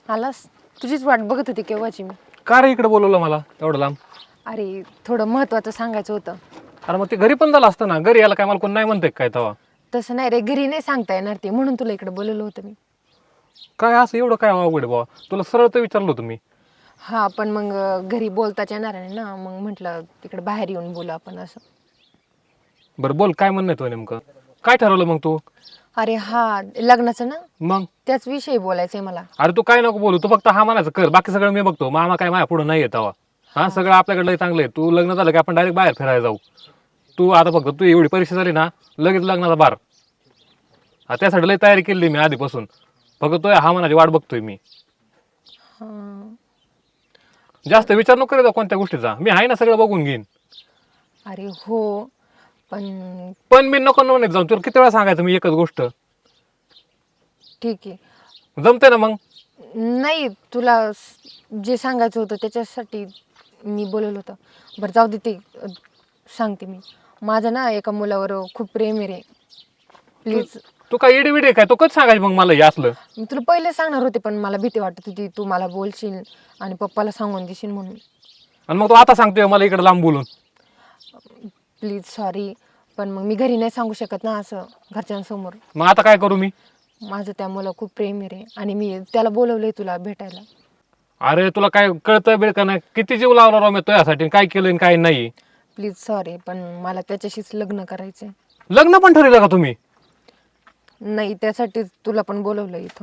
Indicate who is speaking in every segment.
Speaker 1: आलास? तुझीच वाट बघत होती केव्हाची मी.
Speaker 2: का रे इकडे बोलवलं मला एवढं लांब?
Speaker 1: अरे थोडं महत्वाचं सांगायचं होतं.
Speaker 2: अरे मग ते घरी पण झालं असतं ना. घरी याला काय मला कोण नाही म्हणते काय तेव्हा?
Speaker 1: तसं नाही रे, घरी नाही सांगता येणार ते, म्हणून तुला इकडे बोलवलं होतं मी.
Speaker 2: काय असं एवढं काय अवघड आहे बाबा? तुला सरळ तर विचारलं होतं मी.
Speaker 1: हा पण मग घरी बोलताच येणार नाही ना, मग म्हटलं तिकडे बाहेर येऊन बोलू आपण असं.
Speaker 2: बरं बोल, काय म्हणणं आहे तुझं नेमकं? काय ठरवलं मग तू?
Speaker 1: अरे हा लग्नाचं ना,
Speaker 2: मग
Speaker 1: त्याच विषयी बोलायचंय मला.
Speaker 2: अरे तू काय नको बोलू, तू फक्त हा म्हणायचं कर, बाकी सगळं मी बघतो. मामा काय माझ्या पुढे नाही येतावा. हा सगळं आपल्याकडलं चांगलं आहे. तू लग्न झालं की आपण डायरेक्ट बाहेर फिरायला जाऊ. तू आता फक्त तू एवढी परीक्षा झाली ना, लगेच लग्नाचा बार. त्यासाठी लई तयारी केली मी आधीपासून. फक्त तो हा म्हणाची वाट बघतोय मी.
Speaker 1: हा.
Speaker 2: जास्त विचार नको करीत कोणत्या गोष्टीचा. मी आहे ना, सगळं बघून घेईन.
Speaker 1: अरे हो, पण
Speaker 2: पण मी नको म्हणत जाऊन तुला किती वेळा सांगायचं मी एकच गोष्ट.
Speaker 1: ठीक आहे.
Speaker 2: जमते ना मग?
Speaker 1: नाही, तुला जे सांगायचं होतं त्याच्यासाठी मी बोलवलं होतं. बरं जाऊ दे ते, सांगते मी. माझं ना एका मुलावर खूप प्रेम आहे रे. प्लीज.
Speaker 2: तू काय इडी विडी काय? तो कधी सांगायचं मग मला हे असलं?
Speaker 1: मी तुला पहिले सांगणार होते, पण मला भीती वाटत होती तू मला बोलशील आणि पप्पाला सांगून देशील म्हणून.
Speaker 2: आणि मग तू आता सांगतोय मला इकडे लांब बोलून?
Speaker 1: प्लीज सॉरी, पण मग मी घरी नाही सांगू शकत ना असं घरच्यांसमोर.
Speaker 2: मग आता काय करू मी?
Speaker 1: माझं त्या मुलं खूप प्रेम आहे रे, आणि मी त्याला बोलवलंय तुला भेटायला.
Speaker 2: अरे तुला काय कळतं बिळ का नाही? किती जीव लावला राव मी तुझ्यासाठी, काय केलं आणि काय नाही.
Speaker 1: प्लीज सॉरी, पण मला त्याच्याशीच लग्न करायचंय.
Speaker 2: लग्न पण ठरवलं का तुम्ही?
Speaker 1: नाही, त्यासाठी तुला पण बोलवलं इथं.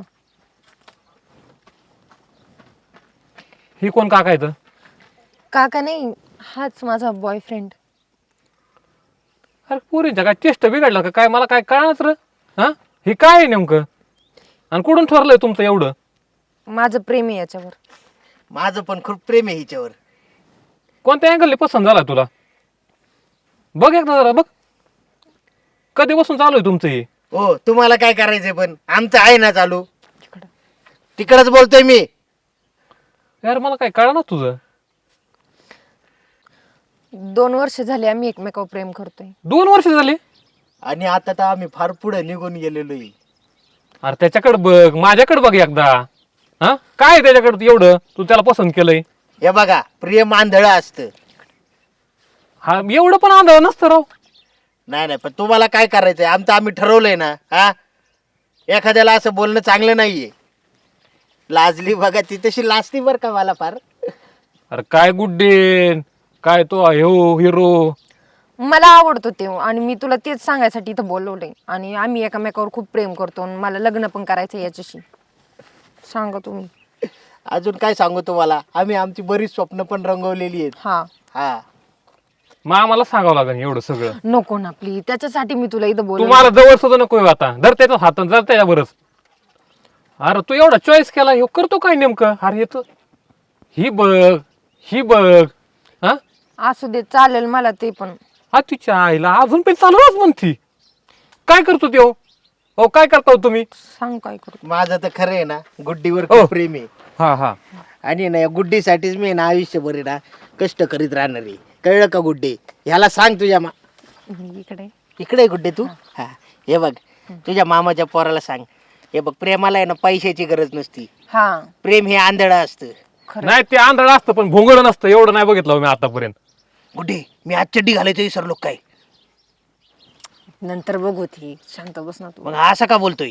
Speaker 2: ही कोण काका येतं?
Speaker 1: काका नाही, हाच माझा बॉयफ्रेंड.
Speaker 2: अरे पुरीच्या काय चेष्ट बिघडलं का काय? मला काय कळणार र? हा हे काय आहे नेमकं? आणि कुठून ठरलंय तुमचं एवढं?
Speaker 1: माझं प्रेम आहे याच्यावर.
Speaker 3: माझं पण खूप प्रेम आहे हिच्यावर.
Speaker 2: कोणत्या अँगलने पसंत झाला तुला? बघ एकदा जरा बघ. कधीपासून चालू आहे तुमचं हे?
Speaker 3: हो, तुम्हाला काय करायचंय पण आमचं आहे ना चालू.
Speaker 1: तिकडं.
Speaker 3: तिकडच बोलतोय मी.
Speaker 2: यार मला काय कळणार तुझं?
Speaker 1: 2 वर्ष झाले आम्ही एकमेकावर प्रेम करतोय.
Speaker 2: 2 वर्ष झाली?
Speaker 3: आणि आता तर आम्ही फार पुढे निघून गेलेलो आहे.
Speaker 2: अरे त्याच्याकडे बघ, माझ्याकडे बघ एकदा. हा काय आहे त्याच्याकडे एवढं तू त्याला पसंत केलंय?
Speaker 3: हे बघा, प्रेम आंधळं असतं.
Speaker 2: हा एवढं पण आंधळ नसतं राव.
Speaker 3: नाही नाही, पण तुम्हाला काय करायचंय? आमचं आम्ही ठरवलंय ना. हा, एखाद्याला असं बोलणं चांगलं नाहीये. लाजली बघा, ती तशी लाजती बरं का मला फार.
Speaker 2: अरे काय गुड्डे, काय तो हिरो.
Speaker 1: मला आवडतो ते, आणि मी तुला तेच सांगायसाठी इथं बोलवलंय. आणि आम्ही एकमेकावर खूप प्रेम करतो, आणि मला लग्न पण करायचं याच्याशी. सांगा तुम्ही.
Speaker 3: अजून काय सांगू तुम्हाला? आम्ही आमची बरीच स्वप्न पण रंगवलेली आहेत.
Speaker 1: हा.
Speaker 3: हा,
Speaker 2: मग आम्हाला सांगावं लागेल एवढं सगळं.
Speaker 1: नको ना प्लीज, त्याच्यासाठी मी तुला इथं बोलवलं.
Speaker 2: तुम्हाला जवळ सुद्धा नको येऊ आता. धर त्याचा हात जर त्याच्यावरच. अरे तू एवढा चॉईस केला, हे करतो काय नेमकं? अरे येतो ही बघ, ही बघ. हा
Speaker 1: असू दे, चालेल मला ते पण.
Speaker 2: हा तिच्या आईला अजून पण चालूच म्हणती. काय करतो ते? हो काय करता हो तुम्ही?
Speaker 1: सांग काय करू.
Speaker 3: माझं तर खरं आहे ना, गुड्डीवर
Speaker 2: हो.
Speaker 3: खूप प्रेम आहे.
Speaker 2: हा हा
Speaker 3: आणि ना या गुड्डीसाठीच मी ना आयुष्यभर आहे ना कष्ट करीत राहणार आहे. कळलं का गुड्डी? ह्याला सांग तुझ्या
Speaker 1: इकडे.
Speaker 3: इकडे आहे गुड्डे तू. हा, हे बघ, तुझ्या मामाच्या पोराला सांग. हे बघ, प्रेमाला आहे ना पैशाची गरज नसती.
Speaker 1: हा
Speaker 3: प्रेम हे आंधळं असतं.
Speaker 1: खरं.
Speaker 2: नाही ते आंधळ असतं पण भोंगळ नसतं. एवढं नाही बघितलं हो मी आतापर्यंत.
Speaker 3: गुड्डे, मी आज चड्डी घालायचं विसरलो काय?
Speaker 1: नंतर बघू, ती शांत बस ना तू.
Speaker 3: मग असं का बोलतोय?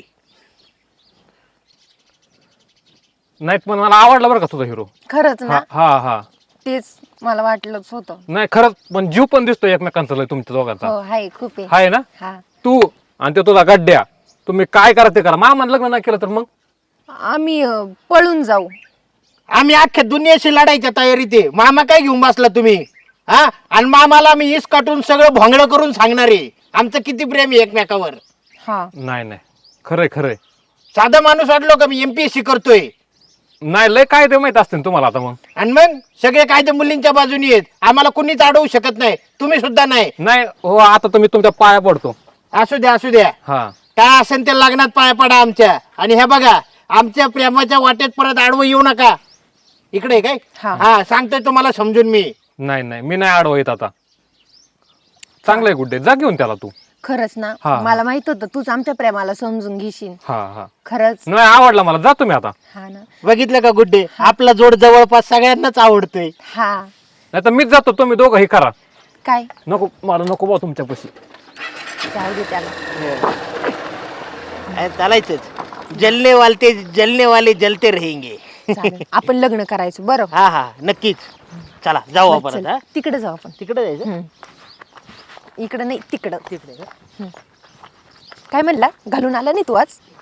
Speaker 2: नाही पण मला आवडला बरं का तुझा हिरो.
Speaker 1: खरंच ना,
Speaker 2: हा हा हा
Speaker 1: तेच मला वाटलंच होतं.
Speaker 2: नाही खरंच, पण जीव पण दिसतोय एकमेकांचा लय तुमच्या दोघांचा.
Speaker 1: हो हाय, खूप आहे.
Speaker 2: आहे ना?
Speaker 1: हा.
Speaker 2: तू आणि ते तुझा गड्ड्या, तुम्ही काय करा ते करा. मामान लग्न नाही केलं तर मग
Speaker 1: आम्ही पळून जाऊ.
Speaker 3: आम्ही अख्ख्या दुनियाशी लढायच्या तयारीत आहे. मामा काय घेऊन बसला तुम्ही? हा, आणि मामाला मी इस काटून सगळं भोंगळं करून सांगणार आहे आमचं किती प्रेम आहे एकमेकावर.
Speaker 1: हा.
Speaker 2: नाही नाही खरंय खरंय.
Speaker 3: साधा माणूस वाटलो का मी MPSC करतोय?
Speaker 2: नाही लय काय ते माहित असते तुम्हाला आता. मग
Speaker 3: आणि मग सगळे कायदे मुलींच्या बाजूनी आहेत. आम्हाला कुणीच अडवू शकत नाही, तुम्ही सुद्धा नाही.
Speaker 2: नाही हो, आता तुम्ही तुमच्या पाया पडतो.
Speaker 3: असू द्या असू द्या,
Speaker 2: हा
Speaker 3: काय असेल ते लग्नात पाया पडा आमच्या. आणि हे बघा, आमच्या प्रेमाच्या वाटेत परत आडवं येऊ नका. इकडे आहे काय?
Speaker 1: हा.
Speaker 3: हा, सांगतोय तुम्हाला समजून मी.
Speaker 2: नाही नाही, मी नाही आडवा येत आता. चांगलंय गुड्डे, जा घेऊन त्याला तू.
Speaker 1: खरंच ना
Speaker 2: हा.
Speaker 1: मला माहित होतं तूच आमच्या प्रेमाला समजून घेशील.
Speaker 2: हा हा
Speaker 1: खरंच.
Speaker 2: नाही आवडला मला, जातो मी आता.
Speaker 1: हा ना.
Speaker 3: बघितलं का गुड्डे, आपला जोड जवळपास सगळ्यांनाच आवडतोय.
Speaker 1: हा.
Speaker 2: नाही तर मीच जातो, तुम्ही दोघं हे करा.
Speaker 1: काय
Speaker 2: नको मला, नको बा तुमच्यापाशी.
Speaker 1: जाऊ दे त्याला.
Speaker 3: चालायचंच, जलने वाले जलते रहेंगे.
Speaker 1: चालेल. आपण लग्न करायचं बरं.
Speaker 3: हा हा नक्कीच. चला जाऊ आपण आता.
Speaker 1: तिकडे जाऊ आपण.
Speaker 3: तिकडे जायचं.
Speaker 1: इकडं नाही तिकडं.
Speaker 3: तिकडे का?
Speaker 1: काय म्हणला, घालून आला नाही तू आज?